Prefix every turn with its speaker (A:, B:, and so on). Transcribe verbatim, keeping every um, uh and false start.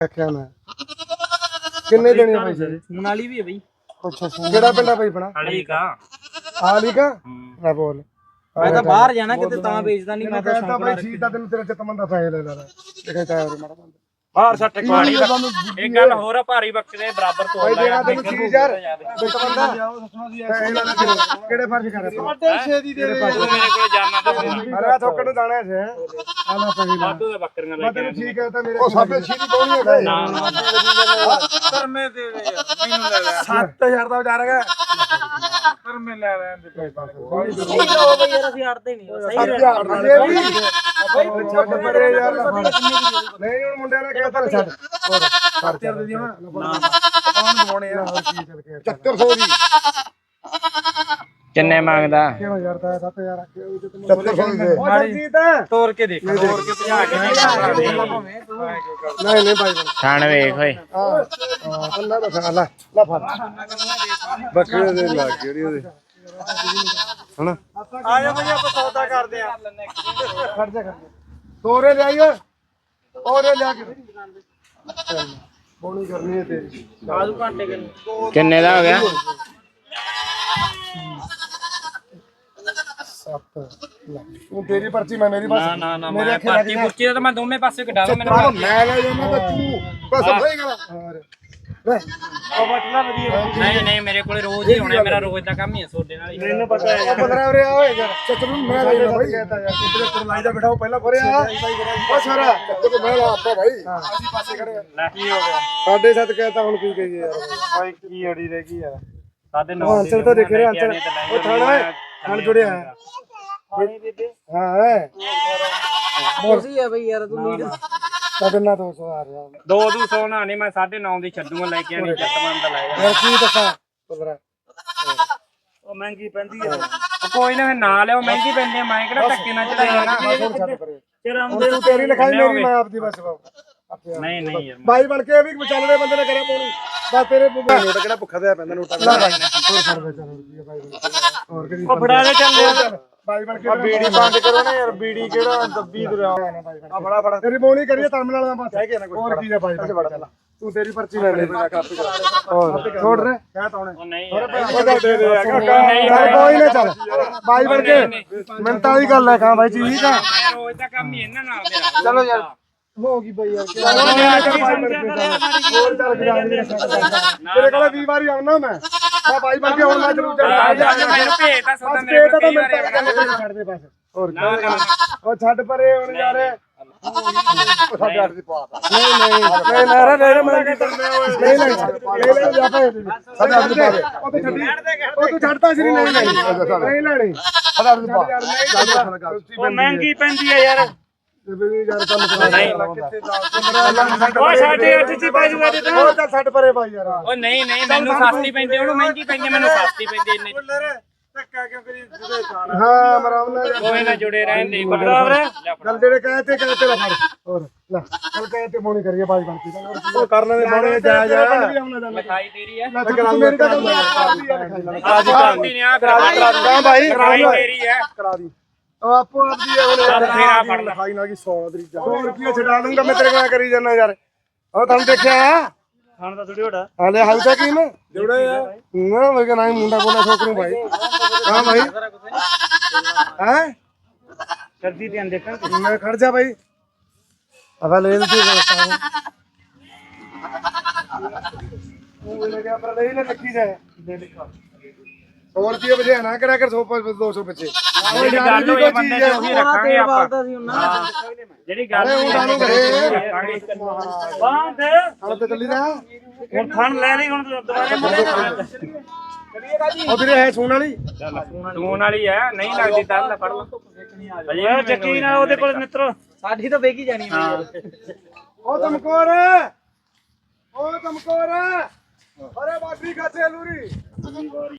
A: ਆਖਿਆ ਮੈਂ ਕਿੰਨੇ ਦੇਣੇ ਆ ਪੈਸੇ?
B: ਮਨਾਲੀ ਵੀ ਹੈ ਬਈ।
A: ਅੱਛਾ ਕਿਹੜਾ ਪਿੰਡ ਆ ਬਈ ਆਪਣਾ?
B: ਹਾਲੀ ਕਾ
A: ਹਾਲੀ ਕਾ ਨਾ ਬੋਲ।
B: ਮੈਂ ਤਾਂ ਬਾਹਰ ਜਾਣਾ ਕਿਤੇ ਤਾਂ ਵੇਚਦਾ ਨਹੀਂ। ਮੈਂ ਤਾਂ
A: ਕਹਿੰਦਾ ਬਈ ਠੀਕ ਤਾਂ ਤੈਨੂੰ ਤੇਰੇ ਚਿੱਤ ਮੰਦਾ ਪੈਸੇ ਲੈ ਲੈ ਦੇਖੇ ਤਾਂ ਹੋਰ ਮਾੜਾ ਬੰਦਾ
B: ਬਾਹਰ ਸੱਟ ਕੁਆੜੀ ਇੱਕ ਗੱਲ ਹੋਰ ਆ, ਭਾਰੀ ਬੱਕਰੇ ਬਰਾਬਰ ਤੋਂ
A: ਭਾਈ ਦੇਣਾ ਤੈਨੂੰ ਛੇ ਹਜ਼ਾਰ ਬਿੱਟ ਬੰਦਾ ਕਿਹੜੇ ਫਰਜ਼ ਕਰ ਰਿਹਾ ਵੱਡੇ ਛੇ ਦੀ ਦੇ ਦੇ
B: ਮੇਰੇ ਕੋਲ ਜਾਣਾ ਤਾਂ
A: ਅਰੇ ਥੋਕੜ ਨੂੰ ਦਾਣਾ ਹੈ ਆਲਾ ਪਈ ਲਾ
B: ਵਾਧੂ ਦੇ ਬੱਕਰੀਆਂ ਲੈ
A: ਮੈਂ ਤੈਨੂੰ ਠੀਕ ਹੈ ਤਾਂ ਮੇਰੇ ਉਹ ਸਾਡੇ ਛੇ ਦੀ ਕੋਣੀ ਹੈ
B: ਨਾ ਧਰਮੇ ਦੇ ਦੇ ਮੈਨੂੰ ਲੈ ਲੈ
A: ਸੱਤ ਹਜ਼ਾਰ ਦਾ ਵਿਚਾਰ ਹੈਗਾ
B: ਧਰਮੇ ਲੈ ਲੈ
A: ਕੋਈ ਪਾਸੇ
B: ਸਹੀ ਲੋ ਬਈ ਯਾਰ ਅਸੀਂ ਹਟਦੇ ਨਹੀਂ ਸਹੀ
A: ਛੱਡ ਪਰੇ ਯਾਰ ਨਹੀਂ ਹੁਣ ਮੁੰਡਿਆਂ ਨੇ ਕਹਿਤਾ ਛੱਡ ਹੋਰ ਖਰਚਾ ਦੇ ਦਿਓ ਨਾ ਕੌਣ ਦਵਾਉਣੇ ਆ ਹੋਰ ਕੀ ਚੱਲ ਕੇ ਚੱਕਰ ਸੌ ਦੀ
B: ਕਿੰਨੇ ਮੰਗਦਾ?
A: ਕਿਉਂ ਯਾਰ ਤਾਂ ਸੱਤ ਹਜ਼ਾਰ ਚੱਕਰ ਸੌ ਦੇ ਜੀਤ
B: ਤੋੜ ਕੇ ਦੇਖ ਤੋੜ ਕੇ ਭਜਾ ਕੇ
A: ਨਹੀਂ ਨਹੀਂ ਭਾਈ
B: ਖਾਣ ਵੇਖ ਓਏ
A: ਹਾਂ ਅੱਲਾ ਦਾ ਖਾ ਲੈ ਲੈ ਫੜ ਬੱਕਰੇ ਦੇ ਲੱਗ ਜਿਹੜੀ ਉਹਦੇ ਹਣ
B: ਆ ਜਾ ਬਈ ਆਪਾਂ ਸੌਦਾ ਕਰਦੇ ਆ
A: ਖੜ ਜਾ ਖੜ ਤੋਰੇ ਲੈ ਆਈਓ ਤੋਰੇ ਲਿਆ ਕੇ ਬੋਣੀ ਕਰਨੀ ਹੈ ਤੇਰੀ
B: ਆਜੂ ਘੰਟੇ ਕਿੰਨੇ
C: ਕਿੰਨੇ ਦਾ ਹੋ ਗਿਆ?
A: ਸੱਤ ਲੱਖ ਤੂੰ ਤੇਰੀ ਪਰਚੀ ਮੈਂ ਮੇਰੀ ਬਸ
B: ਨਾ ਨਾ ਨਾ ਮੈਂ ਪਾਰਟੀ ਪੁੱਛੀ ਤਾਂ ਮੈਂ ਦੋਵੇਂ ਪਾਸੇ ਕਢਾ ਲਾਂ ਮੈਨੂੰ
A: ਮੈਂ ਲੈ ਜਾਣਾ ਤਾਂ ਤੂੰ ਬਸ ਹੋਏਗਾ ਹੋਰ ਲੈ
B: ਉਹ ਬਟਲਾ ਵਧੀਆ ਨਹੀਂ ਨਹੀਂ ਮੇਰੇ ਕੋਲੇ ਰੋਜ਼ ਹੀ ਹੋਣਾ, ਮੇਰਾ ਰੋਜ਼ ਦਾ ਕੰਮ ਹੀ ਹੈ ਸੋਡੇ ਨਾਲ ਹੀ। ਮੈਨੂੰ ਪਤਾ ਹੈ
A: ਪੰਦਰਾਂ ਵਰੇ ਹੋਏ ਯਾਰ ਚੱਕਰ ਨੂੰ ਮੈਂ ਲੈ ਜਾਣਾ ਭਾਈ ਕਹਤਾ ਯਾਰ ਤੇਰੇ ਕੋਲ ਲਾਈ ਦਾ ਬਿਠਾਓ ਪਹਿਲਾਂ ਫੜਿਆ ਉਹ ਸਾਰਾ ਚੱਕਰ ਮੈਂ ਲਾ ਆਪਾ ਭਾਈ ਅਸੀਂ ਪਾਸੇ ਖੜੇ ਆ
B: ਲੈ ਕੀ ਹੋ ਗਿਆ
A: ਸਾਡੇ ਸੱਤ ਕਹਤਾ ਹੁਣ ਕੀ ਕਹੀਏ ਯਾਰ
B: ਭਾਈ ਕੀ ਅੜੀ ਰਹਿ ਗਈ ਯਾਰ ਸਾਡੇ
A: ਉਹ ਅੰਚਲ ਤਾਂ ਦੇਖ ਰਿਹਾ ਅੰਚਲ ਉਹ ਥਾਣਾ ਹੈ ਥਾਣ ਜੁੜਿਆ ਹੈ
B: ਪਾਣੀ ਦੇ ਦੇ
A: ਹਾਂ ਹੈ
B: ਮੋਸੀ ਹੈ ਬਈ ਯਾਰ ਤੂੰ ਲੀਡ
A: ਕਿੰਨਾ ਦੋ ਸੌ ਆ ਰਿਹਾ
B: ਦੋ ਦੋ ਸੌ ਨਾ ਨਹੀਂ ਮੈਂ ਸਾਢੇ ਨੌ ਦੀ ਛੱਡੂਗਾ ਲੈ ਕੇ ਆਣੀ ਚੱਤਮਨ ਦਾ ਲੈ ਜਾ
A: ਯਾਰ ਕੀ ਦੱਸਾਂ ਪੰਦਰਾਂ
B: ਉਹ ਮਹਿੰਗੀ ਪੈਂਦੀ ਆ ਕੋਈ ਨਾ ਨਾ ਲਿਓ ਮਹਿੰਗੀ ਪੈਂਦੀ ਆ ਮੈਂ ਕਿਹੜਾ ਧੱਕੇ ਨਾਲ ਚੜਾਈ ਨਾ
A: ਛੱਡ ਪਰੇ
B: ਤੇਰਾ
A: ਤੇਰੀ ਤੇਰੀ ਲਿਖਾਈ ਮੇਰੀ ਮੈਂ ਆਪਦੀ ਬਸ
B: ਨਹੀਂ ਨਹੀਂ ਯਾਰ
A: ਬਾਈ ਬਣ ਕੇ ਵੀ ਵਿਚਾਲੇ ਬੰਦੇ ਨੇ ਕਰਿਆ ਪਾਉਣੀ ਬਸ ਤੇਰੇ ਨੋਟ ਕਿਹੜਾ ਭੁੱਖਾ ਤੇ ਪੈਂਦਾ ਨੋਟਾਂ ਦਾ ਹੋਰ ਸਰਵੇ ਚੱਲ ਬਾਈ ਹੋਰ ਕਿਹਦੀ
B: ਉਹ ਫੜਾ ਦੇ ਚੱਲ
A: ਬਾਈ ਬਣ ਕੇ ਬੀੜੀ ਬੰਦ ਕਰੋ ਨਾ ਯਾਰ ਬੀੜੀ ਕਿਹੜਾ ਦੱਬੀ ਦਰਿਆ ਆ ਫੜਾ ਫੜਾ ਤੇਰੀ ਬੋਣੀ ਕਰੀਏ ਟਰਮੀਨਲ ਦਾ ਬਸ ਹੈਗੇ ਨਾ ਕੋਈ ਹੋਰ ਕੀ ਹੈ ਬਾਈ ਤੂੰ ਤੇਰੀ ਪਰਚੀ ਲੈ ਲੈ ਹੋਰ ਛੋੜ ਰੇ ਕਹਿ ਤਾਉਣੇ
B: ਉਹ ਨਹੀਂ
A: ਉਹਦਾ ਦੇ ਦੇ ਯਾਰ ਕੋਈ ਨਾ ਚੱਲ ਬਾਈ ਬਣ ਕੇ ਮਿੰਟਾਂ ਦੀ ਗੱਲ ਹੈ ਕਹਾਂ ਬਾਈ ਠੀਕ ਆ
B: ਰੋਜ਼ ਦਾ ਕੰਮ ਹੀ ਇਹਨਾਂ ਨਾਲ ਮੇਰਾ
A: ਚਲੋ ਯਾਰ ਹੋ ਗਈ ਬਈ ਯਾਰ ਹੋਰ ਚੱਲ ਤੇਰੇ ਕੋਲ ਵੀਹ ਵਾਰੀ ਆਉਣਾ ਮੈਂ ਆ ਬਾਈ ਬਣ ਕੇ ਹੁਣ ਮੈਂ ਜ਼ਰੂਰ ਚੱਲਦਾ
B: ਮੈਨੂੰ ਭੇਜ ਤਾਂ ਸੌਦਾ ਮੇਰੇ ਕੋਲ ਕਈ ਵਾਰ ਆਇਆ
A: ਛੱਡ ਦੇ ਬਸ ਹੋਰ ਉਹ ਛੱਡ ਪਰੇ ਹੁਣ ਯਾਰ ਸਾਡੇ ਅੱਠ ਦੀ ਪਾ ਨਹੀਂ ਨਹੀਂ ਨਹੀਂ ਨਾ ਨਾ ਮੈਂ ਕੀ ਕਰਨਾ ਨਹੀਂ ਨਹੀਂ ਲੈ ਲੈ ਜਾ ਪਾ ਸਾਡੇ ਅੱਠ ਦੀ ਪਾ ਉਹ ਤੇ ਛੱਡੀ ਉਹ ਤੂੰ ਛੱਡਤਾ ਸੀ ਨਹੀਂ ਲੈਣੀ ਨਹੀਂ ਲੈਣੀ ਸਾਡੇ ਅੱਠ ਦੀ ਪਾ
B: ਉਹ ਮਹਿੰਗੀ ਪੈਂਦੀ ਹੈ ਯਾਰ
A: ਯਾਰ ਕੰਮ ਕਰਾ
B: ਉਹ ਸਾਡੇ ਅੱਠ ਚ ਪੈ ਜੂਗਾ ਤੇ
A: ਉਹ ਤਾਂ ਛੱਡ ਪਰੇ ਬਾਈ ਯਾਰ
B: ਉਹ ਨਹੀਂ ਨਹੀਂ ਮੈਨੂੰ ਸਸਤੀ ਪੈਂਦੀ ਉਹਨੂੰ ਮਹਿੰਗੀ ਪੈਂਦੀ ਮੈਨੂੰ ਸਸਤੀ ਪੈਂਦੀ ਇੰਨੇ
A: ਧੱਕਾ ਕਿਉਂ ਕਰੀ ਜੁੜੇ ਹਾਂ ਮਰਾਮ ਨਾਲ
B: ਕੋਈ ਨਾ ਜੁੜੇ ਰਹਿਣ ਦੇ ਬਰਾਬਰ
A: ਚੱਲ ਜਿਹੜੇ ਕਹੇ ਤੇ ਕਹੇ ਤੇ ਲੈ ਫੜ ਹੋਰ ਲੈ ਚੱਲ ਕਹੇ ਤੇ ਮੋਣੀ ਕਰੀਏ ਬਾਈ ਬਣਤੀ ਉਹ ਕਰ ਲੈਣੇ ਮੋਣੀ ਜਾ ਜਾ
B: ਲਿਖਾਈ ਤੇਰੀ ਹੈ
A: ਕਰਾ ਮੇਰੀ ਤਾਂ ਗੱਲ
B: ਅੱਜ ਕਰਦੀ ਨੇ ਆ
A: ਕਰਾ ਬਾਈ
B: ਲਿਖਾਈ ਤੇਰੀ ਹੈ
A: ਕਰਾ ਦੀ ਉਹ ਆਪੋ ਆਪਦੀ ਹੈ ਹੁਣ
B: ਫੇਰਾ ਫੜ ਲੈ
A: ਖਾਈ ਨਾ ਕੀ ਸੌ ਤਰੀ ਜਾ ਸੌ ਰੁਪਏ ਛਡਾ ਦੂੰਗਾ ਮੈਂ ਤੇਰੇ ਕੋਲ ਕਰੀ ਜਾਣਾ ਯਾਰ ਉਹ ਤੁਹਾਨੂੰ ਦੇਖਿਆ
B: ਖਾਣ ਦਾ ਥੋੜੀ ਹੋੜਾ
A: ਹਾਲੇ ਹਾਲ ਤੱਕ ਹੀ ਨਾ ਜੁੜੇ ਆ ਨਾ ਮੈਂ ਕਹਿੰਦਾ ਮੁੰਡਾ ਕੋਲੇ ਠੋਕਰੂ ਭਾਈ ਹਾਂ ਭਾਈ ਹੈ
B: ਕਰਦੀ ਧਿਆਨ ਦੇਖਾਂ
A: ਮੈਂ ਖੜ ਜਾ ਭਾਈ ਅਗਾ ਲੈ ਲਈ ਉਹ ਲੈ ਗਿਆ ਪਰ ਲੈ ਲੈ ਲੱਗੀ ਜਾਏ ਹੋਰ ਕੀ ਵਜੇ ਨਾ ਕਰਿਆ ਕਰ ਸੌ ਦੋ ਸੌ ਬੱਚੇ
B: ਜਿਹੜੀ ਗੱਲ ਹੋਈ ਬੰਦੇ ਤੇ ਉਹੀ ਰੱਖਾਂਗੇ ਆਪਾਂ ਜਿਹੜੀ ਗੱਲ ਹੋਈ ਰੱਖਾਂਗੇ ਬਾਂਧ
A: ਹਲ ਤੇ ਚੱਲੀ ਰਿਹਾ
B: ਹੁਣ ਥਣ ਲੈ ਲਈ ਹੁਣ ਦੁਬਾਰੇ ਮੁੜੇ
A: ਉਹ ਵੀਰੇ ਹੈ ਸੂਣ ਵਾਲੀ
B: ਸੂਣ ਵਾਲੀ ਹੈ ਨਹੀਂ ਲੱਗਦੀ ਤਾਂ ਲੈ ਫੜ ਲਾ ਅਜੇ ਚੱਕੀ ਨਾ ਉਹਦੇ ਕੋਲ ਮਿੱਤਰੋ ਸਾਡੀ ਤਾਂ ਵੇਖੀ ਜਾਣੀ ਹੈ
A: ਉਹ ਤਮਕੋਰ ਉਹ ਤਮਕੋਰ ਅਰੇ ਬਾਟਰੀ ਕਾਥੇ ਲੂਰੀ